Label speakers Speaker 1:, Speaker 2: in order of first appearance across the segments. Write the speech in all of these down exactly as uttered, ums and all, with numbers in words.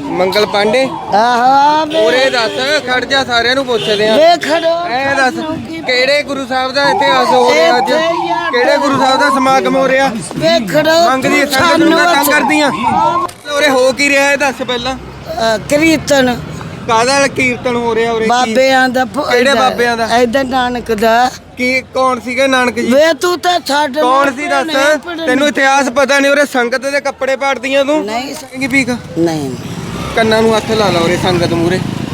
Speaker 1: ਮੰਗਲ ਪਾਂਡੇ
Speaker 2: ਆਹੋ
Speaker 1: ਉਰੇ ਦੱਸ ਖੜ ਜਾ ਸਾਰਿਆਂ ਨੂੰ ਪੁੱਛਦੇ ਆ
Speaker 2: ਵੇ ਖੜੋ
Speaker 1: ਐ ਦੱਸ ਕਿਹੜੇ ਗੁਰੂ ਸਾਹਿਬ ਦਾ ਇਤਿਹਾਸ ਹੋ ਰਿਹਾ ਅੱਜ ਕਿਹੜੇ ਗੁਰੂ ਸਾਹਿਬ ਦਾ ਸਮਾਗਮ ਹੋ ਰਿਹਾ
Speaker 2: ਵੇ ਖੜੋ
Speaker 1: ਮੰਗਦੀ ਸੰਗਤ ਨੂੰ ਤੰਗ ਕਰਦੀਆਂ ਉਰੇ ਹੋ ਕੀ ਰਿਹਾ ਇਹ ਦੱਸ ਪਹਿਲਾਂ
Speaker 2: ਕੀਰਤਨ
Speaker 1: ਕਾਹਦਾ ਕੀਰਤਨ ਹੋ ਰਿਹਾ ਉਰੇ
Speaker 2: ਬਾਬਿਆਂ ਦਾ
Speaker 1: ਕਿਹੜੇ ਬਾਬਿਆਂ ਦਾ
Speaker 2: ਇਧਰ ਨਾਨਕ ਦਾ
Speaker 1: ਕੀ ਕੌਣ ਸੀਗੇ ਨਾਨਕ ਜੀ
Speaker 2: ਵੇ ਤੂੰ ਤਾਂ ਛੱਡ
Speaker 1: ਕੌਣ ਸੀ ਦੱਸ ਤੈਨੂੰ ਇਤਿਹਾਸ ਪਤਾ ਨਹੀਂ ਉਰੇ ਸੰਗਤ ਦੇ ਕੱਪੜੇ ਪਾੜਦੀਆਂ ਤੂੰ
Speaker 2: ਨਹੀਂ
Speaker 1: ਕੀ ਭੀਖ
Speaker 2: ਨਹੀਂ
Speaker 1: ਕੰਨਾਂ ਨੂੰ ਹੱਥ ਲਾ ਲਾ ਉਰੇ ਸੰਗਤ ਮੂਰੇ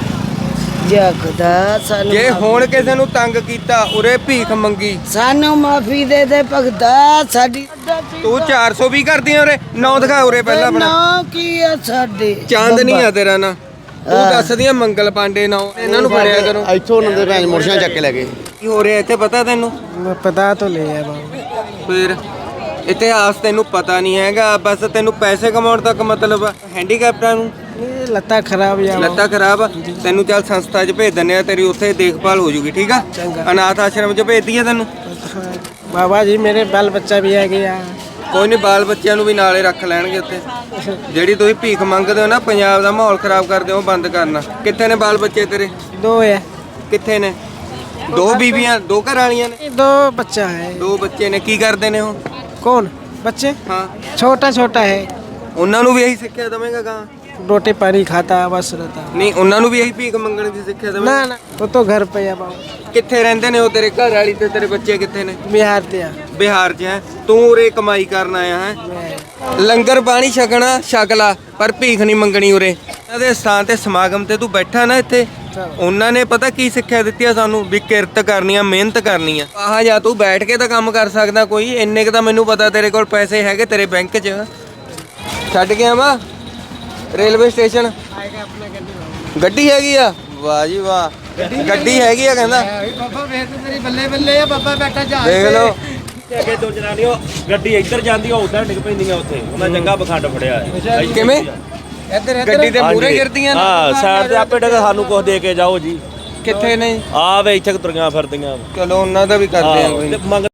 Speaker 2: ਜਗਦਾ ਸਾਨੂੰ
Speaker 1: ਜੇ ਹੁਣ ਕਿਸੇ ਨੂੰ ਤੰਗ ਕੀਤਾ ਉਰੇ ਭੀਖ ਮੰਗੀ
Speaker 2: ਸਾਨੂੰ ਮਾਫੀ ਦੇ ਦੇ ਭਗਤਾ ਸਾਡੀ
Speaker 1: ਤੂੰ ਚਾਰ ਸੌ ਵੀ ਕਰਦੀਆਂ ਉਰੇ ਨੌ ਦਿਖਾ ਉਰੇ ਪਹਿਲਾਂ ਆਪਣਾ
Speaker 2: ਨਾ ਕੀ ਆ ਸਾਡੇ
Speaker 1: ਚਾਂਦ ਨਹੀਂ ਆ ਤੇਰਾ ਨਾ ਤੂੰ ਦੱਸਦੀਆਂ ਮੰਗਲ ਪਾਂਡੇ ਨਾ ਇਹਨਾਂ ਨੂੰ ਫੜਿਆ ਕਰੋ
Speaker 3: ਇੱਥੋਂ ਉਹਨਾਂ ਦੇ ਭੈਣ ਮੋਰਸ਼ਾਂ ਚੱਕ ਕੇ ਲੈ ਗਏ
Speaker 1: ਕੀ ਹੋ ਰਿਹਾ ਇੱਥੇ ਪਤਾ ਤੈਨੂੰ
Speaker 2: ਪਤਾ ਤਾਂ ਲਿਆ ਬਾਬੂ
Speaker 1: ਫਿਰ ਇਤਿਹਾਸ ਤੈਨੂੰ ਪਤਾ ਨਹੀਂ ਹੈਗਾ ਬਸ ਤੈਨੂੰ ਪੈਸੇ ਕਮਾਉਣ ਤੱਕ ਮਤਲਬ ਹੈਂਡੀਕੈਪਟਾਂ ਨੂੰ
Speaker 2: ਇਹ ਲੱਤਾਂ ਖਰਾਬ ਜਾ
Speaker 1: ਲੱਤਾਂ ਖਰਾਬ ਆ ਤੈਨੂੰ ਚੱਲ ਸੰਸਥਾ 'ਚ ਭੇਜ ਦਿੰਦੇ ਆ ਤੇਰੀ ਉੱਥੇ ਦੇਖਭਾਲ ਹੋ ਜੂਗੀ ਠੀਕ ਆ ਅਨਾਥ ਆਸ਼ਰਮ 'ਚ ਭੇਜ ਦਈਏ ਤੈਨੂੰ
Speaker 2: ਬਾਬਾ ਜੀ ਮੇਰੇ ਬਾਲ ਬੱਚਾ ਵੀ ਆ ਗਿਆ
Speaker 1: ਕੋਈ ਨਹੀਂ ਬਾਲ ਬੱਚਿਆਂ ਨੂੰ ਵੀ ਨਾਲੇ ਰੱਖ ਲੈਣਗੇ ਉੱਥੇ ਜਿਹੜੀ ਤੁਸੀਂ ਭੀਖ ਮੰਗਦੇ ਹੋ ਨਾ ਪੰਜਾਬ ਦਾ ਮਾਹੌਲ ਖਰਾਬ ਕਰਦੇ ਹੋ ਬੰਦ ਕਰਨਾ ਕਿੱਥੇ ਨੇ ਬਾਲ ਬੱਚੇ ਤੇਰੇ
Speaker 2: ਦੋ ਹੈ
Speaker 1: ਕਿੱਥੇ ਨੇ ਦੋ ਬੀਬੀਆਂ ਦੋ ਘਰ ਵਾਲੀਆਂ ਨੇ
Speaker 2: दो बच्चा है
Speaker 1: ਦੋ ਬੱਚੇ ਨੇ ਕੀ ਕਰਦੇ ਨੇ ਉਹ
Speaker 2: कौन बच्चे
Speaker 1: ਹਾਂ
Speaker 2: छोटा छोटा है
Speaker 1: ਉਹਨਾਂ ਨੂੰ ਵੀ ਇਹੀ ਸਿੱਖਿਆ ਦਵੇਂਗਾ ਗਾਂ
Speaker 2: रोटी पानी खाता है बस रहता है
Speaker 1: ਨਹੀਂ ਉਹਨਾਂ ਨੂੰ ਵੀ ਇਹੀ ਭੀਖ ਮੰਗਣ ਦੀ ਸਿੱਖਿਆ
Speaker 2: ना
Speaker 1: ਦਵੇਂਗਾ
Speaker 2: ना वो तो घर पे है बाबू
Speaker 1: ਕਿੱਥੇ ਰਹਿੰਦੇ ਨੇ ਉਹ ਤੇਰੇ ਘਰ ਵਾਲੀ ਤੇ ਤੇਰੇ ਬੱਚੇ ਕਿੱਥੇ ਨੇ
Speaker 2: बिहार दिया
Speaker 1: ਬਿਹਾਰ 'ਚ ਹੈ ਤੂੰ ਉਰੇ ਕਮਾਈ ਕਰਨ ਆਇਆ ਹੈ ਲੰਗਰ ਪਾਣੀ ਛਕਣਾ ਛਕ ਲਾ ਪਰ ਭੀਖ ਨਹੀਂ ਮੰਗਣੀ ਉਰੇ ਇਹਨਾਂ ਦੇ ਸਥਾਨ ਤੇ ਸਮਾਗਮ ਤੇ ਤੂੰ ਬੈਠਾ ਨਾ ਇੱਥੇ ਉਹਨਾਂ ਨੇ ਪਤਾ ਕੀ ਸਿੱਖਿਆ ਦਿੱਤੀ ਆ ਸਾਨੂੰ ਵੀ ਕਿਰਤ ਕਰਨੀ ਆ ਮਿਹਨਤ ਕਰਨੀ ਆ ਆਹ ਜਾਂ ਤੂੰ ਬੈਠ ਕੇ ਤਾਂ ਕੰਮ ਕਰ ਸਕਦਾ ਕੋਈ ਇੰਨੇ ਕ ਤਾਂ ਮੈਨੂੰ ਪਤਾ ਤੇਰੇ ਕੋਲ ਪੈਸੇ ਹੈਗੇ ਤੇਰੇ ਬੈਂਕ 'ਚ ਛੱਡ ਗਿਆ ਵਾ ਰੇਲਵੇ ਸਟੇਸ਼ਨ ਗੱਡੀ ਹੈਗੀ ਆ ਵਾਹ ਜੀ ਵਾਹ ਗੱਡੀ ਹੈਗੀ ਆ ਕਹਿੰਦਾ
Speaker 2: बाबा ਵੇਖ ਤੇਰੀ ਬੱਲੇ ਬੱਲੇ ਆ ਬਾਬਾ ਬੈਠਾ ਜਾ
Speaker 1: ਦੇਖ ਲਓ
Speaker 4: ਅੱਗੇ ਦੋ ਜਨਾਨੀਆਂ ਗੱਡੀ ਇੱਧਰ ਜਾਂਦੀ ਆ ਉਧਰ ਡਿੱਗ ਪੈਂਦੀਆਂ ਉੱਥੇ ਉਹਨਾਂ ਚੰਗਾ ਬਖੰਡ ਫੜਿਆ ਹੈ
Speaker 1: ਕਿਵੇਂ
Speaker 2: ਇੱਧਰ
Speaker 1: ਗੱਡੀ ਤੇ ਮੂਰੇ ਗਿਰਦੀਆਂ ਨੇ
Speaker 4: ਹਾਂ ਸਾਈਡ ਤੇ ਆਪੇ ਡਿੱਗ ਸਾਨੂੰ ਕੁਝ ਦੇ ਕੇ ਜਾਓ ਜੀ
Speaker 1: ਕਿੱਥੇ ਨੇ
Speaker 4: ਆ ਵੇ ਇੱਥੇ ਤੁਰੀਆਂ ਫਿਰਦੀਆਂ
Speaker 1: ਚਲੋ ਉਹਨਾਂ ਦਾ ਵੀ ਕਰਦੇ ਆ ਕੋਈ
Speaker 4: ਤੇ ਮੰਗ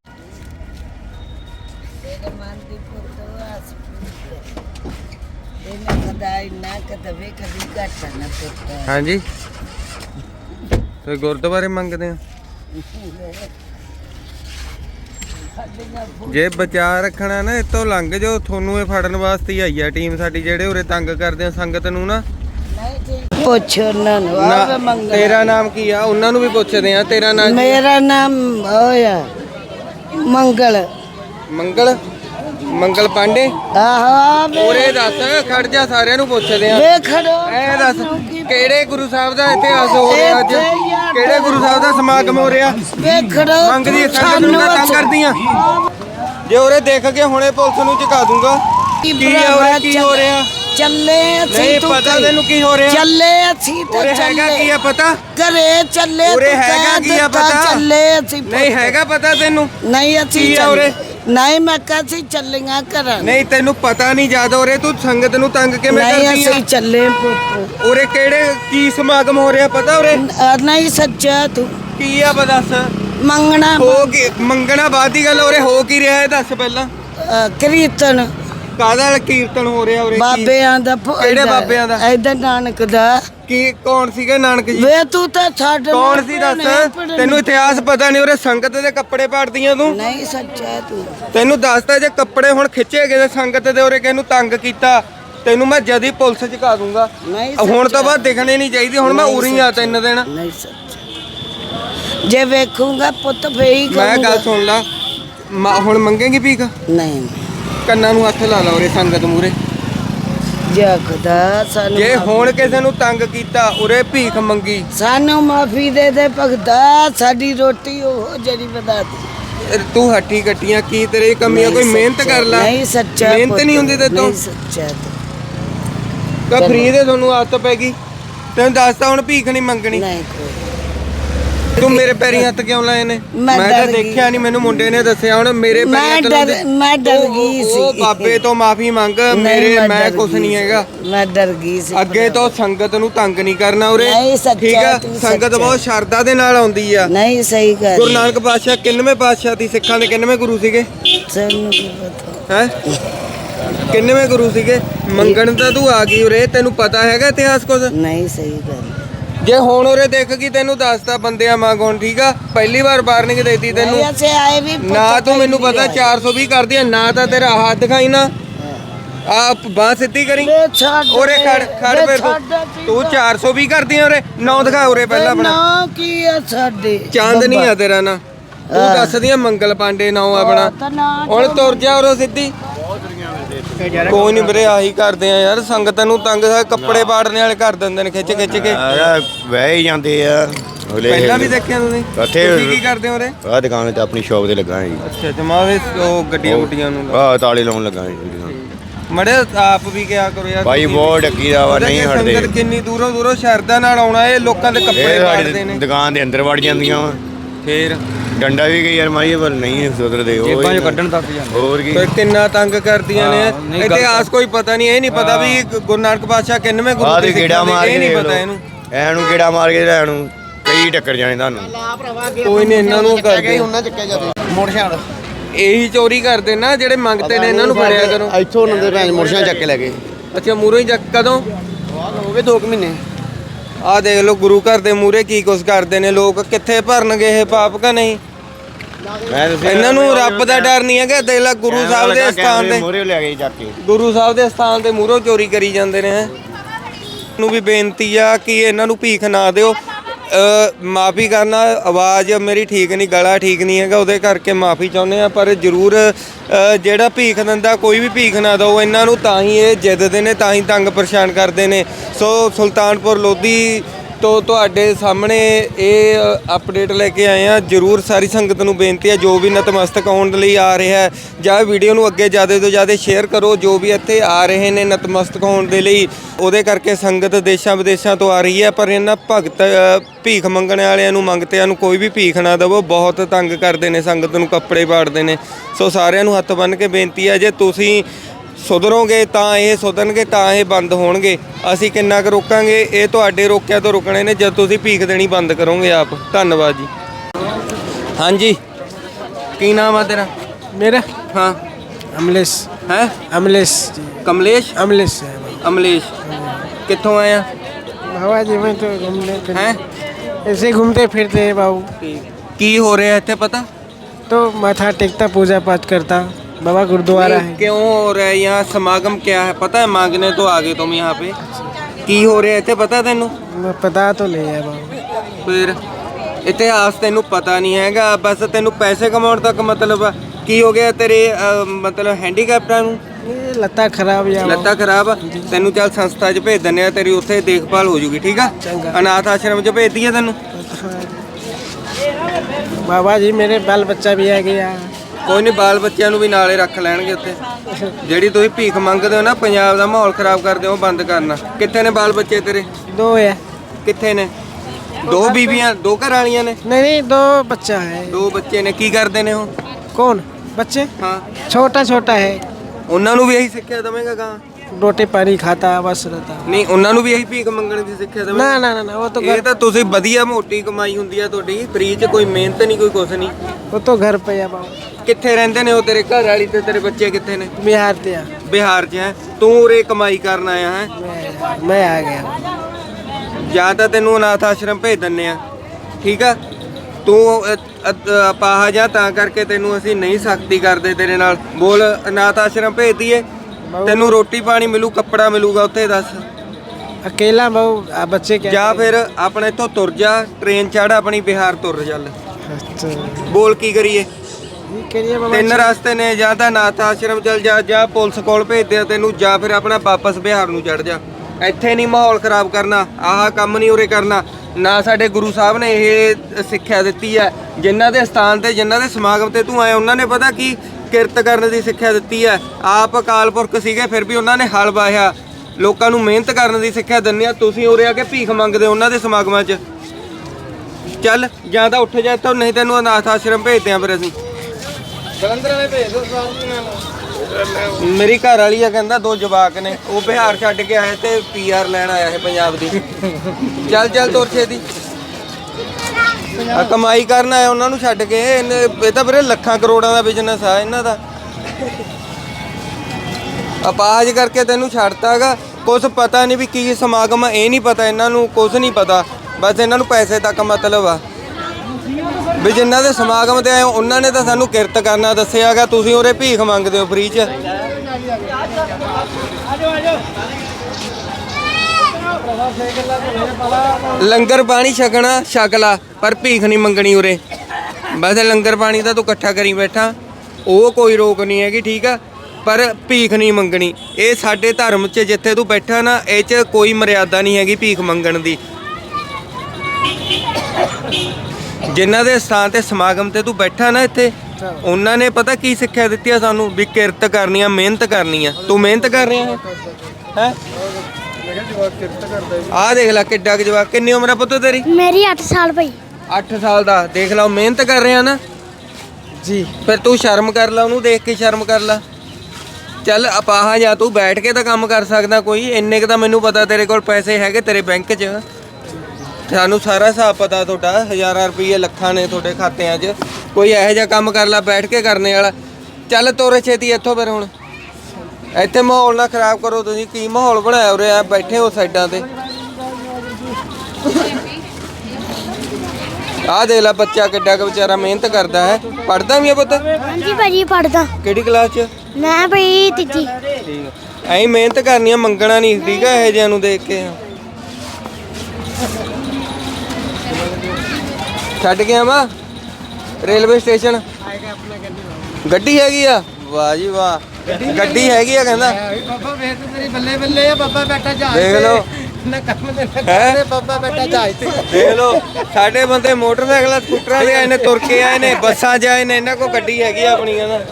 Speaker 1: ਹਾਂਜੀ ਤੇ ਗੁਰਦੁਆਰੇ ਮੰਗਦੇ ਆ ਜੇ ਬਚਾ ਰੱਖਣਾ ਨਾ ਇਹ ਤੋਂ ਲੰਘ ਜਾਓ ਤੁਹਾਨੂੰ ਇਹ ਫੜਨ ਵਾਸਤੇ ਹੀ ਆਈ ਆ ਟੀਮ ਸਾਡੀ ਜਿਹੜੇ ਉਰੇ ਤੰਗ ਕਰਦੇ ਆ ਸੰਗਤ ਨੂੰ ਨਾ
Speaker 2: ਪੁੱਛ ਉਹਨਾਂ ਨੂੰ ਆਵੇ ਮੰਗ
Speaker 1: ਤੇਰਾ ਨਾਮ ਕੀ ਆ ਉਹਨਾਂ ਨੂੰ ਵੀ ਪੁੱਛਦੇ ਆ ਤੇਰਾ ਨਾਮ
Speaker 2: ਮੇਰਾ ਨਾਮ ਹੋਇਆ ਮੰਗਲ
Speaker 1: ਮੰਗਲ ਮੰਗਲ ਪਾਂਡੇ
Speaker 2: ਆਹੋ
Speaker 1: ਉਰੇ ਦੱਸ ਖੜ ਜਾ ਸਾਰਿਆਂ ਨੂੰ ਪੁੱਛਦੇ ਆ
Speaker 2: ਵੇ ਖੜੋ
Speaker 1: ਐ ਦੱਸ ਕਿਹੜੇ ਗੁਰੂ ਸਾਹਿਬ ਦਾ ਇਤਿਹਾਸ ਹੋ ਰਿਹਾ ਅੱਜ ਕਿਹੜੇ ਗੁਰੂ ਸਾਹਿਬ ਦਾ ਸਮਾਗਮ ਹੋ ਰਿਹਾ
Speaker 2: ਵੇ ਖੜੋ
Speaker 1: ਮੰਗਦੀ ਸੰਗਤ ਨੂੰ ਤੰਗ ਕਰਦੀਆਂ ਜੇ ਉਰੇ ਦੇਖ ਕੇ ਹੁਣੇ ਪੁਲਿਸ ਨੂੰ ਝੁਕਾ ਦੂੰਗਾ ਕੀ ਆ ਉਰੇ ਕੀ ਹੋ ਰਿਹਾ
Speaker 2: ਚੱਲੇ ਅਸੀਂ
Speaker 1: ਨਹੀਂ
Speaker 2: ਤੂੰ
Speaker 1: ਪਤਾ ਤੈਨੂੰ ਕੀ ਹੋ ਰਿਹਾ
Speaker 2: ਚੱਲੇ ਅਸੀਂ ਤਾਂ
Speaker 1: ਉਰੇ ਹੈਗਾ ਕੀ ਆ ਪਤਾ
Speaker 2: ਘਰੇ ਚੱਲੇ
Speaker 1: ਉਰੇ
Speaker 2: ਤੂੰ
Speaker 1: ਹੈਗਾ
Speaker 2: ਕਹਿ
Speaker 1: ਕੀ ਆ
Speaker 2: ਦਿੱਤਾ,
Speaker 1: ਪਤਾ?
Speaker 2: ਚੱਲੇ ਅਸੀਂ
Speaker 1: ਨਹੀਂ ਹੈਗਾ ਪਤਾ ਤੈਨੂੰ
Speaker 2: ਨਹੀਂ ਅਸੀਂ
Speaker 1: ਕੀ ਆ ਉਰੇ?
Speaker 2: ਚੱਲੇ ਨਹੀਂ ਮੈਂ ਕਹਾਂ ਚੱਲੀਆਂ ਘਰਾਂ
Speaker 1: ਨਹੀਂ ਤੈਨੂੰ ਪਤਾ ਨਹੀਂ ਜਿਆਦਾ ਉਰੇ ਤੂੰ ਸੰਗਤ ਨੂੰ ਤੰਗ ਕਿਵੇਂ
Speaker 2: ਨਹੀਂ
Speaker 1: ਕਰਦੀ
Speaker 2: ਅਸੀਂ
Speaker 1: ਆ
Speaker 2: ਚੱਲੇ ਪੁੱਤ
Speaker 1: ਉਰੇ ਕਿਹੜੇ ਕੀ ਸਮਾਗਮ ਹੋ ਰਿਹਾ ਪਤਾ ਉਰੇ
Speaker 2: ਅ, ਨਹੀਂ ਸੱਚਾ ਤੂੰ
Speaker 1: ਕੀ ਆ ਬ ਦੱਸ
Speaker 2: ਮੰਗਣਾ
Speaker 1: ਹੋ ਕੀ ਮੰਗਣਾ ਬਾਅਦ ਦੀ ਗੱਲ ਉਰੇ ਹੋ ਕੀ ਰਿਹਾ ਇਹ ਦੱਸ ਪਹਿਲਾਂ
Speaker 2: ਅ, ਕੀਰਤਨ
Speaker 1: ਕਾਹਦਾ ਕੀਰਤਨ ਹੋ ਰਿਹਾ ਉਰੇ ਕੀ-
Speaker 2: ਬਾਬਿਆਂ ਦਾ
Speaker 1: ਕਿਹੜੇ ਬਾਬਿਆਂ ਦਾ?
Speaker 2: ਇਧਰ ਨਾਨਕ ਦਾ
Speaker 1: ਕੀ ਕੌਣ ਸੀਗੇ ਨਾਨਕ ਜੀ
Speaker 2: ਵੇ ਤੂੰ ਤਾਂ ਛੱਡ
Speaker 1: ਕੌਣ ਸੀ ਦੱਸ ਤੈਨੂੰ ਇਤਿਹਾਸ ਪਤਾ ਨਹੀਂ ਉਰੇ ਸੰਗਤ ਦੇ ਕੱਪੜੇ ਪਾੜਦੀਆਂ ਤੂੰ
Speaker 2: ਨਹੀਂ ਸੱਚਾ ਤੂੰ
Speaker 1: ਤੈਨੂੰ ਦੱਸਦਾ ਜੇ ਕੱਪੜੇ ਹੁਣ ਖਿੱਚੇ ਗਏ ਸੰਗਤ ਦੇ ਉਰੇ ਕਿਸੇ ਨੂੰ ਤੰਗ ਕੀਤਾ ਤੈਨੂੰ ਮੈਂ ਜਦ ਹੀ ਪੁਲਿਸ ਚ ਕਾ ਦੂੰਗਾ
Speaker 2: ਨਹੀਂ
Speaker 1: ਹੁਣ
Speaker 2: ਸੱਚਾ।
Speaker 1: ਤਾਂ ਬਾਅਦ ਦਿਖਣੇ ਨਹੀਂ ਚਾਹੀਦੀ ਹੁਣ ਮੈਂ ਉਰੀ ਆ ਤਿੰਨ ਦਿਨ
Speaker 2: ਨਹੀਂ ਸੱਚਾ ਜੇ ਵੇਖੂੰਗਾ ਪੁੱਤ ਫੇਈ
Speaker 1: ਮੈਂ ਗੱਲ ਸੁਣ ਲਾ ਮ- ਹੁਣ ਮੰਗੇਗੀ ਭੀਖ
Speaker 2: ਨਹੀਂ
Speaker 1: ਕੰਨਾਂ ਨੂੰ ਹੱਥ ਲਾ ਲਾ ਉਰੇ ਸੰਗਤ ਮੂਰੇ
Speaker 2: ਜਗਦਾ ਸਾਨੂੰ
Speaker 1: ਜੇ ਹੁਣ ਕਿਸੇ ਨੂੰ ਤੰਗ ਕੀਤਾ ਉਰੇ ਭੀਖ ਮੰਗੀ
Speaker 2: ਸਾਨੂੰ ਮਾਫੀ ਦੇ ਦੇ ਭਗਤਾ ਸਾਡੀ ਰੋਟੀ ਉਹ ਜਿਹੜੀ ਬਤਾ ਦੇ
Speaker 1: ਤੂੰ ਹੱਟੀ ਕੱਟੀਆਂ ਕੀ ਤੇਰੇ ਕਮੀਆਂ ਕੋਈ ਮਿਹਨਤ ਕਰ ਲੈ
Speaker 2: ਨਹੀਂ ਸੱਚਾ
Speaker 1: ਮਿਹਨਤ
Speaker 2: ਪੁੱਤ,
Speaker 1: ਨਹੀਂ ਹੁੰਦੀ ਤੇ ਤੂੰ
Speaker 2: ਨਹੀਂ ਸੱਚਾ ਤੂੰ
Speaker 1: ਕਾ ਫਰੀ ਦੇ ਤੁਹਾਨੂੰ ਆਦਤ ਪੈ ਗਈ ਤੈਨੂੰ ਦੱਸਦਾ ਹੁਣ ਭੀਖ ਨਹੀਂ ਮੰਗਣੀ
Speaker 2: ਨਹੀਂ ਕੋਈ
Speaker 1: ਤੂੰ ਮੇਰੇ ਪੈਰੀ ਹੱਥ ਕਿਉਂ ਲਾਏ ਨੇ
Speaker 2: ਮੈਂ
Speaker 1: ਮੈਂ
Speaker 2: ਡਰ
Speaker 1: ਤਾਂ
Speaker 2: ਗਈ।
Speaker 1: ਦੇਖਿਆ ਨਹੀਂ ਮੈਨੂੰ ਮੁੰਡੇ ਨੇ ਦੱਸਿਆ ਹੁਣ ਮੇਰੇ ਪੈਰੀ
Speaker 2: ਮੈਂ
Speaker 1: ਹੱਥ
Speaker 2: ਡਰ
Speaker 1: ਲਾਉਂਦੇ
Speaker 2: ਮੈਂ ਡਰ
Speaker 1: ਉਹ-
Speaker 2: ਗਈ
Speaker 1: ਉਹ
Speaker 2: ਸੀ
Speaker 1: ਬਾਬੇ ਤੋਂ ਮਾਫੀ ਮੰਗ
Speaker 2: ਨਹੀਂ,
Speaker 1: ਮੇਰੇ ਮੈਂ
Speaker 2: ਡਰ
Speaker 1: ਕੁਛ
Speaker 2: ਗਈ
Speaker 1: ਨਹੀਂ
Speaker 2: ਸੀ।
Speaker 1: ਹੈਗਾ
Speaker 2: ਮੈਂ ਡਰ ਗਈ ਸੀ
Speaker 1: ਅੱਗੇ ਤੋਂ ਸੰਗਤ ਨੂੰ ਤੰਗ ਨਹੀਂ ਕਰਨਾ ਉਰੇ
Speaker 2: ਨਹੀਂ, ਸੱਚਾ,
Speaker 1: ਠੀਕ ਆ
Speaker 2: ਤੂੰ
Speaker 1: ਸੰਗਤ
Speaker 2: ਸੱਚਾ।
Speaker 1: ਬਹੁਤ ਸ਼ਰਧਾ ਦੇ ਨਾਲ ਆਉਂਦੀ ਆ
Speaker 2: ਨਹੀਂ ਸਹੀ ਗੱਲ
Speaker 1: ਗੁਰੂ ਨਾਨਕ ਪਾਤਸ਼ਾਹ ਕਿੰਨਵੇਂ ਪਾਤਸ਼ਾਹ ਦੀ ਸਿੱਖਾਂ ਦੇ ਕਿੰਨਵੇਂ ਗੁਰੂ ਸੀਗੇ
Speaker 2: ਸਾਨੂੰ ਕੀ ਪਤਾ
Speaker 1: ਹੈ ਕਿੰਨਵੇਂ ਗੁਰੂ ਸੀਗੇ? ਮੰਗਣ ਤਾਂ ਤੂੰ ਆ ਗਈ ਉਰੇ, ਤੈਨੂੰ ਪਤਾ ਹੈਗਾ ਇਤਿਹਾਸ ਕੁਝ?
Speaker 2: ਨਹੀਂ ਸਹੀ ਗੱਲ
Speaker 1: ਜੇ ਹੁਣ ਉਰੇ ਦੇਖ ਗਈ ਤੈਨੂੰ ਦੱਸਤਾ ਬੰਦਿਆਂ ਮੰਗ ਹੁਣ, ਠੀਕ ਆ? ਪਹਿਲੀ ਵਾਰ ਵਾਰਨਿੰਗ ਦੇਤੀ ਤੈਨੂੰ।
Speaker 2: ऐसे आए भी
Speaker 1: ਨਾ ਤੂੰ ਮੈਨੂੰ ਪਤਾ ਚਾਰ ਸੌ ਵੀਹ ਕਰਦੀ ਆ, ਨਾ ਤਾਂ ਤੇਰਾ ਹੱਥ ਦਿਖਾਈ ਨਾ ਆ ਬਾਹ ਸਿੱਧੀ ਕਰੀ
Speaker 2: बे छाड़
Speaker 1: ਉਰੇ ਖੜ ਖੜ
Speaker 2: बे
Speaker 1: ਫਿਰ
Speaker 2: छाड़
Speaker 1: ਤੂੰ
Speaker 2: दे,
Speaker 1: ਤੂੰ ਚਾਰ ਸੌ ਵੀਹ ਕਰਦੀ ਆ ਉਰੇ, ਨੌ ਦਿਖਾ ਉਰੇ ਪਹਿਲਾਂ ਆਪਣਾ।
Speaker 2: ना की है छाड़े
Speaker 1: ਚੰਦ ਨਹੀਂ ਆ ਤੇਰਾ ਨਾ, ਤੂੰ ਦੱਸਦੀ ਆ ਮੰਗਲ ਪਾਂਡੇ ਨਾਮ ਆਪਣਾ।
Speaker 2: तो ना
Speaker 1: ਹੁਣ ਤੁਰ ਜਾ ਉਰੋਂ ਸਿੱਧੀ। ਕੋਈ ਨਹੀਂ ਵੀਰੇ, ਆਹੀ ਕਰਦੇ ਆ ਯਾਰ, ਸੰਗਤ ਨੂੰ ਤੰਗ ਹੈ, ਕੱਪੜੇ ਪਾੜਨੇ ਵਾਲੇ ਕਰ ਦਿੰਦੇ ਨੇ ਖਿੱਚ ਖਿੱਚ ਕੇ।
Speaker 3: ਆ ਵਹਿ ਹੀ ਜਾਂਦੇ ਆ ਅਗਲੇ।
Speaker 1: ਪਹਿਲਾਂ ਵੀ ਦੇਖਿਆ ਤੁਸੀਂ?
Speaker 3: ਇੱਥੇ-
Speaker 1: ਤੁਸੀਂ ਕੀ ਕਰਦੇ ਹੋ ਉਰੇ?
Speaker 3: ਆ ਦੁਕਾਨ ਤੇ ਆਪਣੀ ਸ਼ਾਪ ਤੇ ਲੱਗਾ ਜੀ।
Speaker 1: ਅੱਛਾ ਜਮਾਵੇ ਉਹ ਗੱਡੀਆਂ ਗੁੱਡੀਆਂ ਨੂੰ
Speaker 3: ਆ ਤਾਲੇ ਲਾਉਣ ਲੱਗਾ ਜੀ।
Speaker 1: ਮੜੇ ਆਪ ਵੀ ਕਿਹਾ ਕਰੋ ਯਾਰ।
Speaker 3: ਭਾਈ
Speaker 1: ਤੁਸੀਂ
Speaker 3: ਬਹੁਤ ਡੱਕੀ ਦਾ ਵਾ,
Speaker 1: ਪਤਾ
Speaker 3: ਨਹੀਂ
Speaker 1: ਕਿ
Speaker 3: ਹਟਦੇ।
Speaker 1: ਸੰਗਤ ਕਿੰਨੀ ਦੂਰੋਂ ਦੂਰੋਂ ਸ਼ਰਧਾ ਨਾਲ ਆਉਣਾ, ਇਹ ਲੋਕਾਂ ਦੇ ਕੱਪੜੇ
Speaker 3: ਇਹ
Speaker 1: ਪਾੜਦੇ
Speaker 3: ਸਾਡੀ
Speaker 1: ਨੇ।
Speaker 3: ਦੁਕਾਨ ਦੇ ਅੰਦਰ ਵੜ ਜਾਂਦੀਆਂ ਵਾ।
Speaker 1: ਫੇਰ
Speaker 3: ਡੰਡਾ ਵੀ ਗਈ ਯਾਰ ਮਾਰੀਏ, ਪਰ ਨਹੀਂ ਸੁਧਰਦੇ ਉਹ।
Speaker 5: ਜੇਬਾਂ 'ਚ ਕੱਢਣ ਤੱਕ ਜਾਂਦੇ।
Speaker 3: ਹੋਰ ਕੀ।
Speaker 1: ਫਿਰ ਕਿੰਨਾ ਤੰਗ ਕਰਦੀਆਂ ਨੇ।
Speaker 5: ਹਾਂ, ਨਹੀਂ ਗੱਲ
Speaker 1: ਇਤਿਹਾਸ ਕੋਈ ਪਤਾ ਨਹੀਂ, ਇਹ ਨਹੀਂ ਪਤਾ ਵੀ ਗੁਰੂ ਨਾਨਕ ਪਾਤਸ਼ਾਹ ਕਿੰਨਵੇਂ ਗੁਰੂ
Speaker 3: ਆਹ
Speaker 1: ਦੀ
Speaker 3: ਤੇ
Speaker 1: ਸਿੱਖਿਆ
Speaker 3: ਗੇੜਾ ਮਾਰ
Speaker 1: ਦੇ, ਇਹ ਨਹੀਂ
Speaker 3: ਕੇ
Speaker 1: ਪਤਾ ਇਹਨੂੰ।
Speaker 3: ਐਨੂੰ ਗੇੜਾ ਮਾਰ ਕੇ ਲੈਣ ਨੂੰ ਕਈ ਟੱਕਰ ਜਾਣੇ ਤੁਹਾਨੂੰ।
Speaker 1: ਕੋਈ ਨਹੀਂ, ਇਹਨਾਂ ਨੂੰ ਕਰਦੇ
Speaker 3: ਉਹਨਾਂ ਚੱਕਿਆ ਜਾਵੇ ਮੋਟਰਸਾਈਕਲ।
Speaker 1: ਇਹੀ ਚੋਰੀ ਕਰਦੇ ਨਾ ਜਿਹੜੇ ਮੰਗਤੇ ਨੇ, ਇਹਨਾਂ ਨੂੰ ਫੜਿਆ ਕਰੋ।
Speaker 3: ਇੱਥੋਂ ਉਹਨਾਂ ਦੇ ਭੈਣ ਮੋਟਰਸਾਈਕਲ ਚੱਕ ਕੇ ਲੈ ਗਏ।
Speaker 1: ਅੱਛਾ ਮੂਹਰੋਂ ਹੀ ਚੱਕ ਕਦੋਂ?
Speaker 3: ਹੋ ਗਏ ਦੋ ਕੁ ਮਹੀਨੇ।
Speaker 1: ਆਹ ਦੇਖ ਲਓ ਗੁਰੂ ਘਰ ਦੇ ਮੂਹਰੇ ਕੀ ਕੁਛ ਕਰਦੇ ਨੇ ਲੋਕ, ਕਿੱਥੇ ਭਰਨਗੇ ਇਹ ਪਾਪ ਕਾ ਨਹੀਂ?
Speaker 3: ਮੈਂ ਦੱਸਿਆ
Speaker 1: ਇਹਨਾਂ ਨੂੰ ਰੱਬ ਦਾ ਡਰ ਨਹੀਂ ਹੈਗਾ। ਦੇਖ ਲੈ ਗੁਰੂ ਸਾਹਿਬ ਦੇ ਸਥਾਨ ਤੇ,
Speaker 3: ਮੋਰੇ ਲੈ ਗਏ ਚੱਕ ਕੇ।
Speaker 1: ਗੁਰੂ ਸਾਹਿਬ ਦੇ ਸਥਾਨ ਤੇ ਮੂਹਰੋਂ ਚੋਰੀ ਕਰੀ ਜਾਂਦੇ ਨੇ। ਹੈਂ ਨੂੰ ਵੀ ਬੇਨਤੀ ਆ ਕਿ ਇਹਨਾਂ ਨੂੰ ਭੀਖ ਨਾ ਦਿਓ। ਮਾਫੀ ਕਰਨਾ, ਆਵਾਜ਼ ਮੇਰੀ ਠੀਕ ਨਹੀਂ, ਗਲਾ ਠੀਕ ਨਹੀਂ ਹੈਗਾ, ਉਹਦੇ ਕਰਕੇ ਮਾਫੀ ਚਾਹੁੰਦੇ ਆ। ਪਰ ਜ਼ਰੂਰ ਅ, ਜਿਹੜਾ ਭੀਖ ਦਿੰਦਾ ਕੋਈ ਵੀ ਭੀਖ ਨਾ ਦਿਓ ਇਹਨਾਂ ਨੂੰ, ਤਾਂ ਹੀ ਇਹ ਜਿੱਦਦੇ ਨੇ, ਤਾਂ ਹੀ ਤੰਗ ਪਰੇਸ਼ਾਨ ਕਰਦੇ ਨੇ। ਸੋ ਸੁਲਤਾਨਪੁਰ ਲੋਧੀ ਤੋਂ ਤੁਹਾਡੇ ਸਾਹਮਣੇ ਇਹ ਅਪਡੇਟ ਲੈ ਕੇ ਆਏ ਆ। ਜ਼ਰੂਰ ਸਾਰੀ ਸੰਗਤ ਨੂੰ ਬੇਨਤੀ ਹੈ, ਜੋ ਵੀ ਨਤਮਸਤਕ ਹੋਣ ਲਈ ਆ ਰਿਹਾ ਹੈ, ਜਾਂ ਵੀਡੀਓ ਨੂੰ ਅੱਗੇ ਜ਼ਿਆਦਾ ਤੋਂ ਜ਼ਿਆਦਾ ਸ਼ੇਅਰ ਕਰੋ। ਜੋ ਵੀ ਇੱਥੇ ਆ ਰਹੇ ਨੇ ਨਤਮਸਤਕ ਹੋਣ ਦੇ ਲਈ, ਉਹਦੇ ਕਰਕੇ ਸੰਗਤ ਦੇਸ਼ਾਂ ਵਿਦੇਸ਼ਾਂ ਤੋਂ ਆ ਰਹੀ ਹੈ। ਪਰ ਇਹਨਾਂ ਭਗਤ ਭੀਖ ਮੰਗਣ ਵਾਲਿਆਂ ਨੂੰ, ਮੰਗਤਿਆਂ ਨੂੰ ਕੋਈ ਵੀ ਭੀਖ ਨਾ ਦੇਵੋ। ਬਹੁਤ ਤੰਗ ਕਰਦੇ ਨੇ ਸੰਗਤ ਨੂੰ, ਕੱਪੜੇ ਪਾੜਦੇ ਨੇ। ਸੋ ਸਾਰਿਆਂ ਨੂੰ ਹੱਥ ਬੰਨ੍ਹ ਕੇ ਬੇਨਤੀ ਹੈ, ਜੇ ਤੁਸੀਂ ਸੁਧਰੋਗੇ ਤਾਂ ਇਹ ਸੁਧਰਨਗੇ, ਤਾਂ ਇਹ ਬੰਦ ਹੋਣਗੇ। ਅਸੀਂ ਕਿੰਨਾ ਕੁ ਰੋਕਾਂਗੇ, ਇਹ ਤੁਹਾਡੇ ਰੋਕਿਆ ਤੋਂ ਰੁਕਣੇ ਨੇ ਜਦ ਤੁਸੀਂ ਭੀਖ ਦੇਣੀ ਬੰਦ ਕਰੋਗੇ ਆਪ। ਧੰਨਵਾਦ ਜੀ। ਹਾਂਜੀ ਕੀ ਨਾਮ ਆ ਤੇਰਾ?
Speaker 5: मेरा
Speaker 1: ਹਾਂ
Speaker 5: अमलेश
Speaker 1: ਹੈ
Speaker 5: अमलेश जी
Speaker 1: ਕਮਲੇਸ਼?
Speaker 5: अमलेश है भाई।
Speaker 1: ਅਮਲੇਸ਼ ਕਿੱਥੋਂ ਆਇਆ
Speaker 5: बाबा जी मैं तो घूमने फिर
Speaker 1: ਹੈ?
Speaker 5: ऐसे ही घूमते फिरते हैं बाबू।
Speaker 1: ਕੀ ਹੋ ਰਿਹਾ ਇੱਥੇ ਪਤਾ?
Speaker 5: तो माथा टेकता, पूजा पाठ करता। बाबा गुरुद्वारा
Speaker 1: नहीं,
Speaker 5: है।
Speaker 1: क्यों हो रहा है यहाँ समागम? क्या है पता है? मांगने तो आ गए तुम यहाँ पे, की हो रहा है इतने पता तेनू?
Speaker 5: मैं पता तो नहीं है बाबू।
Speaker 1: फिर इतिहास तेनू पता नहीं हैगा, बस तेनू पैसे कमाने तक मतलब आ। की हो गया तेरे अ, मतलब हैंडीकैप्टां नू?
Speaker 5: ये लत्ता खराब या
Speaker 1: ਲੱਤਾਂ ਖਰਾਬ ਆ, ਤੈਨੂੰ ਚੱਲ ਸੰਸਥਾ 'ਚ ਭੇਜ ਦਿੰਦੇ ਆ, ਤੇਰੀ ਉੱਥੇ ਦੇਖਭਾਲ ਹੋ ਜੂਗੀ, ਠੀਕ ਆ?
Speaker 5: ਚੰਗਾ।
Speaker 1: ਅਨਾਥ ਆਸ਼ਰਮ 'ਚ ਭੇਜ ਦਈਏ ਤੈਨੂੰ?
Speaker 5: बाबा जी मेरे बाल बच्चा भी आ गया।
Speaker 1: ਕੋਈ ਨਹੀਂ, ਬਾਲ ਬੱਚਿਆਂ ਨੂੰ ਵੀ ਨਾਲੇ ਰੱਖ ਲੈਣਗੇ ਉੱਥੇ। ਜਿਹੜੀ ਤੁਸੀਂ ਭੀਖ ਮੰਗਦੇ ਹੋ ਨਾ, ਪੰਜਾਬ ਦਾ ਮਾਹੌਲ ਖਰਾਬ ਕਰਦੇ ਹੋ, ਉਹ ਬੰਦ ਕਰਨਾ। ਕਿੱਥੇ ਨੇ ਬਾਲ ਬੱਚੇ ਤੇਰੇ?
Speaker 5: दो है।
Speaker 1: ਕਿੱਥੇ ਨੇ? ਦੋ ਬੀਬੀਆਂ, ਦੋ ਘਰ ਵਾਲੀਆਂ ਨੇ?
Speaker 5: नहीं नहीं, दो बच्चा है।
Speaker 1: ਦੋ ਬੱਚੇ ਨੇ। ਕੀ ਕਰਦੇ ਨੇ ਉਹ?
Speaker 5: कौन बच्चे?
Speaker 1: ਹਾਂ,
Speaker 5: छोटा छोटा है,
Speaker 1: ਉਹਨਾਂ ਨੂੰ ਵੀ ਇਹੀ ਸਿੱਖਿਆ ਦਵੇਂਗਾ ਗਾਂ?
Speaker 5: रोटी पानी खाता बस रहता।
Speaker 1: ਨਹੀਂ, ਉਹਨਾਂ ਨੂੰ ਵੀ ਇਹੀ ਭੀਖ ਮੰਗਣ ਦੀ ਸਿੱਖਿਆ
Speaker 5: ना
Speaker 1: ਦਵੇਂਗਾ?
Speaker 5: ना ना ना, वो तो
Speaker 1: ਇਹ
Speaker 5: घर
Speaker 1: ਤਾਂ ਤੁਸੀਂ ਵਧੀਆ ਮੋਟੀ ਕਮਾਈ ਹੁੰਦੀ ਆ ਤੁਹਾਡੀ, ਫ੍ਰੀ 'ਚ ਕੋਈ ਮਿਹਨਤ ਨਹੀਂ, ਕੋਈ ਕੁਛ ਨਹੀਂ।
Speaker 5: वो तो घर पे है बाबू।
Speaker 1: ਕਿੱਥੇ ਰਹਿੰਦੇ ਨੇ ਉਹ ਤੇਰੇ ਘਰ ਵਾਲੀ ਤੇ ਤੇਰੇ ਬੱਚੇ ਕਿੱਥੇ ਨੇ?
Speaker 5: बिहार से आ।
Speaker 1: ਬਿਹਾਰ 'ਚ ਹੈ। ਤੂੰ ਉਰੇ ਕਮਾਈ ਕਰਨ ਆਇਆ ਹੈ?
Speaker 5: मैं मैं आ गया।
Speaker 1: ਜਾਂ ਤਾਂ ਤੈਨੂੰ ਅਨਾਥ ਆਸ਼ਰਮ ਭੇਜ ਦਿੰਨੇ ਆ, ਠੀਕ ਆ? ਤੂੰ ਅਪਾਹ ਜਾਂ ਤਾਂ ਕਰਕੇ ਤੈਨੂੰ ਅਸੀਂ ਨਹੀਂ ਸਖਤੀ ਕਰਦੇ ਤੇਰੇ ਨਾਲ। ਬੋਲ ਅਨਾਥ ਆਸ਼ਰਮ ਭੇਜ ਦਈਏ, ਤੈਨੂੰ ਰੋਟੀ ਪਾਣੀ ਮਿਲੂ, ਕੱਪੜਾ ਮਿਲੂਗਾ ਉੱਥੇ, ਦੱਸ।
Speaker 5: अकेला बाबू, आ, बच्चे क्या?
Speaker 1: ਜਾਂ ਫਿਰ ਆਪਣੇ ਇੱਥੋਂ ਤੁਰ ਜਾ, ਟ੍ਰੇਨ ਚੜ੍ਹ, ਆਪਣੀ ਬਿਹਾਰ ਤੁਰ ਚੱਲ।
Speaker 5: अच्छा,
Speaker 1: ਬੋਲ ਕੀ ਕਰੀਏ?
Speaker 5: ये करिए बाबा।
Speaker 1: ਤਿੰਨ ਰਸਤੇ ਨੇ, ਜਾਂ ਤਾਂ ਅਨਾਥ ਆਸ਼ਰਮ ਚੱਲ ਜਾ, ਜਾਂ ਪੁਲਿਸ ਕੋਲ ਭੇਜਦੇ ਆ ਤੈਨੂੰ, ਜਾਂ ਫਿਰ ਆਪਣਾ ਵਾਪਸ ਬਿਹਾਰ ਨੂੰ ਚੜ ਜਾ। ਇੱਥੇ ਨਹੀਂ ਮਾਹੌਲ ਖਰਾਬ ਕਰਨਾ, ਆਹ ਕੰਮ ਨਹੀਂ ਉਰੇ ਕਰਨਾ। ਨਾ ਸਾਡੇ ਗੁਰੂ ਸਾਹਿਬ ਨੇ ਇਹ ਸਿੱਖਿਆ ਦਿੱਤੀ ਹੈ। ਜਿਨ੍ਹਾਂ ਦੇ ਸਥਾਨ ਤੇ, ਜਿਨ੍ਹਾਂ ਦੇ ਸਮਾਗਮ ਤੇ ਤੂੰ ਆਇਆ, ਉਹਨਾਂ ਨੇ ਪਤਾ ਕੀ ਕਿਰਤ ਕਰਨ ਦੀ ਸਿੱਖਿਆ ਦਿੱਤੀ ਹੈ। ਆਪ ਅਕਾਲ ਪੁਰਖ ਸੀਗੇ, ਫਿਰ ਵੀ ਉਹਨਾਂ ਨੇ ਹਲ ਵਾਹਿਆ, ਲੋਕਾਂ ਨੂੰ ਮਿਹਨਤ ਕਰਨ ਦੀ ਸਿੱਖਿਆ ਦਿੰਦੇ ਆ। ਤੁਸੀਂ ਉਰੇ ਆ ਕੇ ਭੀਖ ਮੰਗਦੇ ਉਹਨਾਂ ਦੇ ਸਮਾਗਮਾਂ 'ਚ। ਚੱਲ ਜਾਂ ਤਾਂ ਉੱਠ ਜਾ ਇੱਥੋਂ, ਨਹੀਂ ਤੈਨੂੰ ਅਨਾਥ ਆਸ਼ਰਮ ਭੇਜਦੇ ਆ ਫਿਰ ਅਸੀਂ। ਮੇਰੀ ਘਰ ਵਾਲੀ ਆ, ਕਹਿੰਦਾ ਦੋ ਜਵਾਕ ਨੇ, ਉਹ ਬਿਹਾਰ ਛੱਡ ਕੇ ਆਏ ਤੇ ਪੀ ਆਰ ਲੈਣ ਆਇਆ ਹੈ ਪੰਜਾਬ ਦੀ। ਚੱਲ ਚੱਲ ਤੁਰ ਛੇਤੀ, ਆ ਕਮਾਈ ਕਰਨ ਆਇਆ ਉਹਨਾਂ ਨੂੰ ਛੱਡ ਕੇ। ਇਹਨੇ ਇਹ ਤਾਂ ਵੀਰੇ ਲੱਖਾਂ ਕਰੋੜਾਂ ਦਾ ਬਿਜ਼ਨਸ ਆ ਇਹਨਾਂ ਦਾ। ਅਪਾਹਜ ਕਰਕੇ ਤੈਨੂੰ ਛੱਡਤਾਗਾ। ਕੁਛ ਪਤਾ ਨਹੀਂ ਵੀ ਕੀ ਸਮਾਗਮ ਆ, ਇਹ ਨਹੀਂ ਪਤਾ ਇਹਨਾਂ ਨੂੰ, ਕੁਛ ਨਹੀਂ ਪਤਾ। ਬਸ ਇਹਨਾਂ ਨੂੰ ਪੈਸੇ ਤੱਕ ਮਤਲਬ ਆ ਵੀ ਜਿਨ੍ਹਾਂ ਦੇ ਸਮਾਗਮ ਤੇ ਆਏ ਹੋ, ਉਹਨਾਂ ਨੇ ਤਾਂ ਸਾਨੂੰ ਕਿਰਤ ਕਰਨਾ ਦੱਸਿਆਗਾ। ਤੁਸੀਂ ਉਰੇ ਭੀਖ ਮੰਗਦੇ ਹੋ ਫ੍ਰੀ 'ਚ। ਲੰਗਰ ਪਾਣੀ ਛਕਣਾ ਛਕ ਲਾ, ਪਰ ਭੀਖ ਨਹੀਂ ਮੰਗਣੀ ਉਰੇ। ਬਸ ਲੰਗਰ ਪਾਣੀ ਤਾਂ ਤੂੰ ਇਕੱਠਾ ਕਰੀ ਬੈਠਾ, ਉਹ ਕੋਈ ਰੋਕ ਨਹੀਂ ਹੈਗੀ, ਠੀਕ ਆ, ਪਰ ਭੀਖ ਨਹੀਂ ਮੰਗਣੀ। ਇਹ ਸਾਡੇ ਧਰਮ 'ਚ ਜਿੱਥੇ ਤੂੰ ਬੈਠਾ ਨਾ, ਇਹ 'ਚ ਕੋਈ ਮਰਿਆਦਾ ਨਹੀਂ ਹੈਗੀ ਭੀਖ ਮੰਗਣ ਦੀ। ਜਿਨ੍ਹਾਂ ਦੇ ਸਥਾਨ ਤੇ ਸਮਾਗਮ ਤੇ ਤੂੰ ਬੈਠਾ ਨਾ ਇੱਥੇ, ਉਹਨਾਂ ਨੇ ਪਤਾ ਕੀ ਸਿੱਖਿਆ ਦਿੱਤੀ ਆ ਸਾਨੂੰ, ਵੀ ਕਿਰਤ ਕਰਨੀ ਆ, ਮਿਹਨਤ ਕਰਨੀ ਆ। ਤੂੰ ਮਿਹਨਤ ਕਰ ਰਿਹਾ ਹੈ ਹੈ ਆਹ ਦੇਖ ਲੈ ਕਿੱਡਾ ਕੁ ਜਵਾਕ। ਕਿੰਨੀ ਉਮਰ ਆ ਪੁੱਤ ਤੇਰੀ?
Speaker 6: ਮੇਰੀ ਅੱਠ ਸਾਲ ਭਾਈ।
Speaker 1: ਅੱਠ ਸਾਲ ਦਾ। ਦੇਖ ਲਾ ਮਿਹਨਤ ਕਰ ਰਿਹਾ ਨਾ
Speaker 5: जी।
Speaker 1: ਫਿਰ ਤੂੰ ਸ਼ਰਮ ਕਰ ਲਾ, ਉਹਨੂੰ ਦੇਖ ਕੇ ਸ਼ਰਮ ਕਰ ਲਾ। ਚੱਲ ਅਪਾਹਾ ਜਾਂ ਤੂੰ ਬੈਠ ਕੇ ਤਾਂ ਕੰਮ ਕਰ ਸਕਦਾ ਕੋਈ। ਇੰਨੇ ਕੁ ਤਾਂ ਮੈਨੂੰ ਪਤਾ ਤੇਰੇ ਕੋਲ ਪੈਸੇ ਹੈਗੇ ਤੇਰੇ ਬੈਂਕ 'ਚ। ਸਾਨੂੰ ਸਾਰਾ ਹਿਸਾਬ ਪਤਾ ਤੁਹਾਡਾ, ਹਜ਼ਾਰਾਂ ਰੁਪਈਏ ਲੱਖਾਂ ਨੇ ਤੁਹਾਡੇ ਖਾਤਿਆਂ 'ਚ। ਕੋਈ ਇਹੋ ਜਿਹਾ ਕੰਮ ਕਰ ਲਾ ਬੈਠ ਕੇ ਕਰਨੇ ਵਾਲਾ। ਚੱਲ ਤੋਰੇ ਛੇਤੀ ਇੱਥੋਂ ਫਿਰ। ਹੁਣ ਇੱਥੇ ਮਾਹੌਲ ਨਾ ਖਰਾਬ ਕਰੋ ਤੁਸੀਂ। ਕੀ ਮਾਹੌਲ ਬਣਾਇਆ ਉਰੇ ਆ ਬੈਠੇ ਹੋ ਸਾਈਡਾਂ ਤੇ। ਆਹ ਦੇਖ ਲੈ ਬੱਚਾ ਕਿੱਡਾ ਕੁ ਵਿਚਾਰਾ ਮਿਹਨਤ ਕਰਦਾ ਹੈ। ਪੜ੍ਹਦਾ ਵੀ ਆ ਪੁੱਤ?
Speaker 6: ਹਾਂਜੀ ਭਾਜੀ ਪੜਦਾ।
Speaker 1: ਕਿਹੜੀ ਕਲਾਸ 'ਚ?
Speaker 6: ਮੈਂ ਭਾਈ ਤੀਜੀ।
Speaker 1: ਠੀਕ ਆ। ਐਂ ਮਿਹਨਤ ਕਰਨੀ ਆ, ਮੰਗਣਾ ਨਹੀਂ, ਠੀਕ ਆ, ਇਹੋ ਜਿਹਿਆਂ ਨੂੰ ਦੇਖ ਕੇ। ਛੱਡ ਗਿਆ ਵਾ ਰੇਲਵੇ ਸਟੇਸ਼ਨ। ਗੱਡੀ ਹੈਗੀ ਆ? ਵਾਹ ਜੀ ਵਾਹ, ਗੱਡੀ ਹੈਗੀ ਆ ਕਹਿੰਦਾ।
Speaker 5: बाबा वे तो तेरी बल्ले बल्ले है, बाबा बैठा जहाज
Speaker 1: ਦੇਖ ਲਓ
Speaker 5: ना काम दे ना
Speaker 1: हैं?
Speaker 5: करे, बाबा बैठा जहाज ते।
Speaker 1: ਦੇਖ ਲਓ ਸਾਡੇ ਬੰਦੇ ਮੋਟਰਸਾਈਕਲਾਂ ਸਕੂਟਰਾਂ ਤੇ ਆਏ ਨੇ, ਤੁਰ ਕੇ ਆਏ ਨੇ, ਬੱਸਾਂ 'ਚ ਆਏ ਨੇ। ਇਹਨਾਂ ਕੋਲ ਗੱਡੀ ਹੈਗੀ ਆ ਆਪਣੀ ਕਹਿੰਦਾ।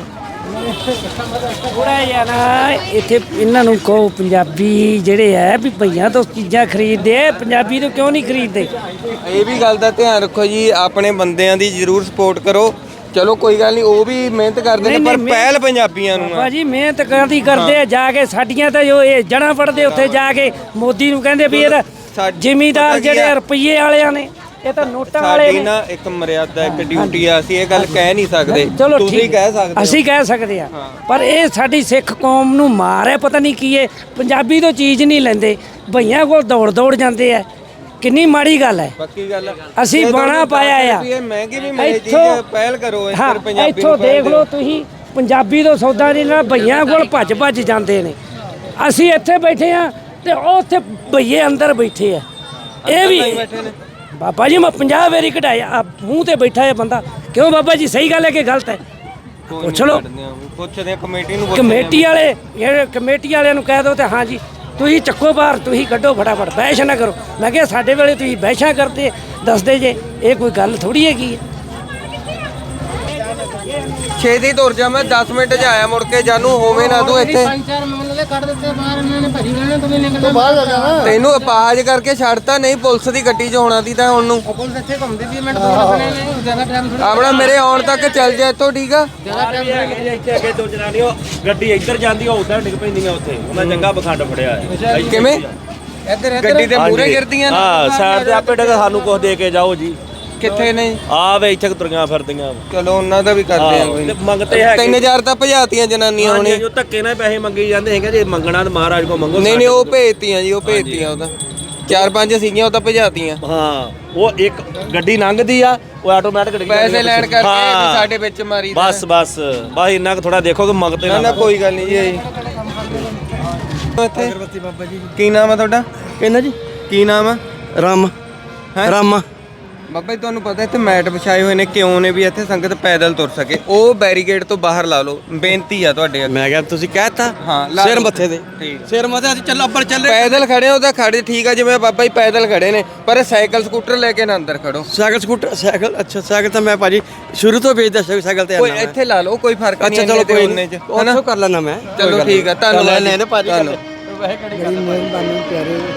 Speaker 7: ਥੋੜਾ ਜਿਹਾ ਨਾ ਇੱਥੇ ਇਹਨਾਂ ਨੂੰ ਕਹੋ, ਪੰਜਾਬੀ ਜਿਹੜੇ ਹੈ ਵੀ ਭਈਆਂ ਤੋਂ ਚੀਜ਼ਾਂ ਖਰੀਦਦੇ ਆ, ਪੰਜਾਬੀ ਤੋਂ ਕਿਉਂ ਨਹੀਂ ਖਰੀਦਦੇ?
Speaker 1: ਇਹ ਵੀ ਗੱਲ ਦਾ ਧਿਆਨ ਰੱਖੋ ਜੀ, ਆਪਣੇ ਬੰਦਿਆਂ ਦੀ ਜ਼ਰੂਰ ਸਪੋਰਟ ਕਰੋ। ਚਲੋ ਕੋਈ ਗੱਲ ਨਹੀਂ, ਉਹ ਵੀ ਮਿਹਨਤ ਕਰਦੇ ਨੇ,
Speaker 7: ਨਹੀਂ,
Speaker 1: ਪਰ
Speaker 7: ਨਹੀਂ,
Speaker 1: ਪਹਿਲ ਪੰਜਾਬੀਆਂ ਨੂੰ ਆ।
Speaker 7: ਭਾਜੀ ਮਿਹਨਤ ਕਰਦੀ ਕਰਦੇ ਆ, ਜਾ ਕੇ ਸਾਡੀਆਂ ਤਾਂ ਜੋ ਇਹ ਜੜਾਂ ਫੜਦੇ ਉੱਥੇ ਜਾ ਕੇ ਮੋਦੀ ਨੂੰ ਕਹਿੰਦੇ ਵੀ ਇਹਦਾ
Speaker 1: ਸਾਡੀ-
Speaker 7: ਜ਼ਿਮੀਦਾਰ
Speaker 1: ਪਤਾ ਕੀ
Speaker 7: ਜਿਹੜੇ
Speaker 1: ਆ?
Speaker 7: ਰੁਪਈਏ ਵਾਲਿਆਂ ਨੇ, ਇਹ ਤਾਂ ਨੋਟਾਂ ਵਾਲੇ
Speaker 1: ਸਾਡੀ
Speaker 7: ਨੇ।
Speaker 1: ਨਾ ਇੱਕ ਮਰਿਆਦਾ, ਇੱਕ ਡਿਊਟੀ ਆ, ਅਸੀਂ ਇਹ ਗੱਲ ਕਹਿ ਨਹੀਂ ਸਕਦੇ।
Speaker 7: ਚਲੋ
Speaker 1: ਤੁਸੀਂ
Speaker 7: ਠੀਕ,
Speaker 1: ਕਹਿ ਸਕਦੇ ਹੋ।
Speaker 7: ਅਸੀਂ ਕਹਿ ਸਕਦੇ ਆ, ਪਰ ਇਹ ਸਾਡੀ ਸਿੱਖ ਕੌਮ ਨੂੰ ਮਾਰ ਹੈ। ਪਤਾ ਨਹੀਂ ਕੀ ਹੈ, ਪੰਜਾਬੀ ਤੋਂ ਚੀਜ਼ ਨਹੀਂ ਲੈਂਦੇ, ਭਈਆਂ ਕੋਲ ਦੌੜ ਦੌੜ ਜਾਂਦੇ ਆ। ਕਿੰਨੀ ਮਾੜੀ ਗੱਲ ਹੈ।
Speaker 1: ਪੱਕੀ ਗੱਲ ਆ।
Speaker 7: ਅਸੀਂ
Speaker 1: ਜੇ
Speaker 7: ਬਾਣਾ
Speaker 1: ਤੁਹਾਨੂੰ
Speaker 7: ਪਾਇਆ ਆ।
Speaker 1: ਇਹ ਮਹਿੰਗੀ ਵੀ ਮਿਲੇ ਚੀਜ਼,
Speaker 7: ਇੱਥੋਂ-
Speaker 1: ਪਹਿਲ ਕਰੋ ਇਸ
Speaker 7: ਹਾਂ,
Speaker 1: ਪਰ ਪੰਜਾਬੀ
Speaker 7: ਇੱਥੋਂ
Speaker 1: ਨੂੰ ਪਹਿਲ
Speaker 7: ਦੇਖ ਲਓ
Speaker 1: ਦਿਓ।
Speaker 7: ਤੁਸੀਂ, ਪੰਜਾਬੀ ਤੋਂ ਸੌਦਾ ਨਹੀਂ ਲੈਣਾ, ਭਈਆਂ ਕੋਲ ਭੱਜ ਭੱਜ ਜਾਂਦੇ ਨੇ। ਅਸੀਂ ਇੱਥੇ ਬੈਠੇ ਆ ਤੇ ਉਹ ਉੱਥੇ ਭਈਏ ਅੰਦਰ ਬੈਠੇ ਆ। ਇਹ ਵੀ
Speaker 1: ਬੈਠੇ ਨੇ।
Speaker 7: ਬਾਬਾ ਜੀ ਮੈਂ ਪੰਜਾਹ ਵਾਰੀ ਕਢਾਇਆ, ਆ ਮੂੰਹ ਤੇ ਬੈਠਾ ਹੈ ਬੰਦਾ। ਕਿਉਂ ਬਾਬਾ ਜੀ, ਸਹੀ ਗੱਲ ਹੈ ਕਿ ਗਲਤ ਹੈ?
Speaker 1: ਕੋਈ
Speaker 7: ਪੁੱਛ
Speaker 1: ਨਹੀਂ
Speaker 7: ਲਓ।
Speaker 1: ਕੱਢਦੇ ਆ, ਪੁੱਛਦੇ ਆ ਕਮੇਟੀ ਨੂੰ। ਪੁੱਛਦੇ ਆ।
Speaker 7: ਕਮੇਟੀ ਵਾਲੇ ਜਿਹੜੇ ਕਮੇਟੀ ਵਾਲਿਆਂ ਨੂੰ ਕਹਿ ਦਿਓ ਤੇ ਹਾਂ ਜੀ ਤੁਸੀਂ ਚੱਕੋ ਬਾਹਰ, ਤੁਸੀਂ ਕੱਢੋ ਫਟਾਫਟ, ਬਹਿਸ ਨਾ ਕਰੋ। ਮੈਂ ਕਿਹਾ ਸਾਡੇ ਵੇਲੇ ਤੁਸੀਂ ਬਹਿਸ਼ਾਂ ਕਰਦੇ ਦੱਸਦੇ ਜੇ, ਇਹ ਕੋਈ ਗੱਲ ਥੋੜੀ ਹੈਗੀ ਹੈ।
Speaker 1: ਛੇਤੀ ਤੁਰ ਜਾ, ਮੈਂ ਦਸ ਮਿੰਟ 'ਚ ਆਇਆ ਮੁੜ ਕੇ। ਜਾਨੂੰ ਹੋਵੇਂ ਨਾ ਤੂੰ ਇੱਥੇ।
Speaker 5: चार मामले कर देते बाहर, इन्होंने भरी रहना, तुम्हें निकलना बाहर जा जाना।
Speaker 1: ਤੈਨੂੰ ਅਪਾਹਜ ਕਰਕੇ ਛੱਡਤਾ, ਨਹੀਂ ਪੁਲਿਸ ਦੀ ਗੱਡੀ 'ਚ ਹੋਣਾ ਦੀ ਤਾਂ ਹੁਣ ਨੂੰ।
Speaker 5: पुलिस अच्छे घूमती थी, मिनट दो लगने नहीं, ज्यादा टाइम थोड़ी।
Speaker 1: ਆਪਣਾ ਮੇਰੇ ਆਉਣ ਤੱਕ ਚੱਲ ਜਾ ਇੱਥੋਂ, ਠੀਕ ਆ।
Speaker 4: ਇੱਥੇ ਅੱਗੇ ਦੋ ਜਨਾਨੀਆਂ ਗੱਡੀ ਇੱਧਰ ਜਾਂਦੀ ਉਹ ਉਧਰ ਡਿੱਗ ਪੈਂਦੀਆਂ ਉੱਥੇ। ਉਹਨਾਂ ਚੰਗਾ ਬਖੰਡ ਫੜਿਆ ਹੈ।
Speaker 1: ਕਿਵੇਂ?
Speaker 5: इधर
Speaker 1: ਗੱਡੀ ਦੇ ਮੂਹਰੇ ਗਿਰਦੀਆਂ ਨੇ?
Speaker 4: ਹਾਂ, ਸਾਈਡ ਤੇ ਆਪੇ ਡਿੱਗ, ਸਾਨੂੰ ਕੁਝ ਦੇ ਕੇ ਜਾਓ ਜੀ।
Speaker 1: ਕਿੱਥੇ ਨੇ?
Speaker 4: ਆ ਵੇ ਇੱਥੇ ਕੁ ਤੁਰੀਆਂ ਫਿਰਦੀਆਂ।
Speaker 1: ਚਲੋ ਉਹਨਾਂ ਦਾ ਵੀ ਕਰਦੇ ਆ
Speaker 4: ਆਹੋ,
Speaker 1: ਕੋਈ
Speaker 4: ਤੇ ਮੰਗਤੇ ਹੈਗੇ।
Speaker 1: ਤਿੰਨ ਹਜ਼ਾਰ ਤਾਂ ਭਜਾਤੀਆਂ ਜਨਾਨੀਆਂ
Speaker 4: ਹਾਂਜੀ,
Speaker 1: ਹੁਣੇ।
Speaker 4: ਜੋ ਧੱਕੇ ਨਾਲ ਪੈਸੇ ਮੰਗੀ ਜਾਂਦੇ ਹੈਗੇ, ਜੇ ਮੰਗਣਾ ਤਾਂ ਮਹਾਰਾਜ ਕੋ ਮੰਗੋ।
Speaker 1: ਨਹੀਂ ਨਹੀਂ, ਉਹ ਭੇਜਤੀਆਂ ਜੀ, ਉਹ ਭੇਜਤੀਆਂ। ਉਹਦਾ ਚਾਰ ਪੰਜ ਸੀਗੀਆਂ, ਉਹ ਤਾਂ ਭਜਾਤੀਆਂ।
Speaker 4: ਹਾਂ, ਉਹ ਇੱਕ ਗੱਡੀ ਲੰਘਦੀ ਆ, ਉਹ ਆਟੋਮੈਟਿਕ ਡਿੱਗ
Speaker 1: ਪੈਸੇ ਲੈਣ ਕਰਕੇ
Speaker 4: ਹਾਂ।
Speaker 1: ਵੀ ਸਾਡੇ ਵਿੱਚ ਮਾਰੀ ਦਾ।
Speaker 4: ਬਸ ਬਸ ਬਸ ਇੰਨਾ ਕੁ ਥੋੜਾ ਦੇਖੋ ਕਿ ਮੰਗਤੇ
Speaker 1: ਨਾ ਨਾ ਕੋਈ ਗੱਲ ਨਹੀਂ ਜੀ। ਇਹ ਇੱਥੇ
Speaker 5: अगरबत्ती बाबा जी
Speaker 1: ਕੀ ਨਾਮ ਆ ਤੁਹਾਡਾ?
Speaker 5: कहना जी
Speaker 1: ਕੀ ਨਾਮ ਆ?
Speaker 5: राम
Speaker 1: ਹੈਂ?
Speaker 5: रामा
Speaker 1: ਬਾਬਾ ਜੀ ਤੁਹਾਨੂੰ ਪਤਾ ਇੱਥੇ ਮੈਟ ਵਿਛਾਏ ਹੋਏ ਨੇ, ਕਿਉਂ ਨੇ? ਵੀ ਇੱਥੇ ਸੰਗਤ ਪੈਦਲ ਤੁਰ ਸਕੇ। ਉਹ ਬੈਰੀਕੇਡ ਤੋਂ ਬਾਹਰ ਲਾ ਲਓ, ਬੇਨਤੀ ਆ ਤੁਹਾਡੇ ਅੱਗੇ।
Speaker 5: मैं क्या तुसी कहता
Speaker 1: ਹਾਂ, ਲਾ
Speaker 5: सिर
Speaker 1: ਲਓ।
Speaker 5: मथे दे
Speaker 1: ਠੀਕ।
Speaker 5: सिर मथे अस चल अब्बर चल
Speaker 1: ਪੈਦਲ ਖੜੇ ਹੋ ਤਾਂ ਖੜੇ, ਠੀਕ ਆ, ਜਿਵੇਂ ਬਾਬਾ ਜੀ ਪੈਦਲ ਖੜੇ ਨੇ, ਪਰ ਸਾਈਕਲ ਸਕੂਟਰ ਲੈ ਕੇ ਨਾ ਅੰਦਰ ਖੜੋ।
Speaker 5: साइकिल स्कूटर साइकिल अच्छा साइकिल तो मैं भाजी शुरू तो भेजदा साइकिल ते
Speaker 1: ਕੋਈ ਇੱਥੇ ਲਾ ਲਓ, ਕੋਈ ਫਰਕ ਨਹੀਂ।
Speaker 5: अच्छा चलो
Speaker 1: ਇੰਨੇ ਤੇ
Speaker 5: कोई
Speaker 1: ਉਨੇ
Speaker 5: नहीं
Speaker 1: ਚ, ਹਨਾ?
Speaker 5: कर लेना मैं
Speaker 1: ਚਲੋ ਠੀਕ ਆ, ਧੰਨਵਾਦ।
Speaker 5: लेने भाजी
Speaker 1: ਧੰਨਵਾਦ।
Speaker 5: बड़ी मेहरबानी प्यारे